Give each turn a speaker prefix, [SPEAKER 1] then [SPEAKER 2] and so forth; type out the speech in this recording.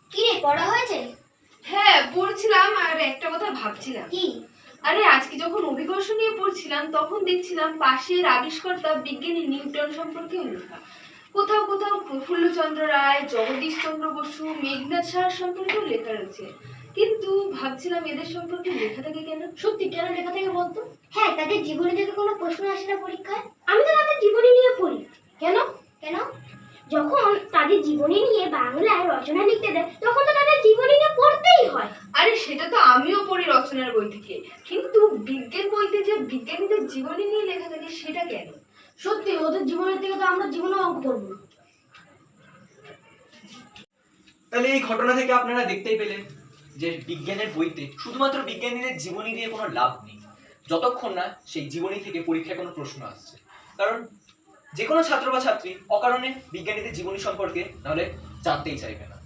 [SPEAKER 1] কি রে, পড়া হয়েছে?
[SPEAKER 2] হ্যাঁ পড়ছিলাম, আর একটা কথা ভাবছিলাম।
[SPEAKER 1] কি?
[SPEAKER 2] আরে আজকে যখন অভিকর্ষ নিয়ে পড়ছিলাম তখন দেখছিলাম পাশের আবিষ্কর্তা বিজ্ঞানী নিউটন সম্পর্কেও লেখা। কোথাও কোথাও প্রফুল্লচন্দ্র রায়, জগদীশচন্দ্র বসু, মেঘনাথ সাহা সম্পর্কেও লেখা রয়েছে। কিন্তু ভাবছিলাম এদের সম্পর্কে লেখা থাকে কেন?
[SPEAKER 1] সত্যি কেন লেখা থেকে বলতো? হ্যাঁ, তাদের জীবনী থেকে কোনো প্রশ্ন আসে না পরীক্ষায়? আমি তো তাদের জীবনী নিয়ে পড়ি। কেন? কেন? যখন তাদের জীবনী নিয়ে বাংলায় রচনা লিখতে দেয় তখন তো তাদের জীবনী নিয়ে পড়তেই হয়।
[SPEAKER 2] আরে সেটা তো আমিও পড়ি রচনার বই থেকে, কিন্তু বিজ্ঞান বইতে যে বিজ্ঞানীদের জীবনী নিয়ে লেখা থাকে সেটা কেন?
[SPEAKER 1] সত্যি ওদের জীবনের থেকে তো আমরা জীবনে অঙ্ক করবো না।
[SPEAKER 3] তাহলে এই ঘটনা থেকে আপনারা দেখতেই পেলেন যে বিজ্ঞানের বইতে শুধুমাত্র বিজ্ঞানীদের জীবনী দিয়ে কোনো লাভ নেই, যতক্ষণ না সেই জীবনী থেকে পরীক্ষায় কোনো প্রশ্ন আসছে। কারণ যে কোনো ছাত্র বা ছাত্রী অকারণে বিজ্ঞানীদের জীবনী সম্পর্কে নাহলে জানতেই চাইবে না।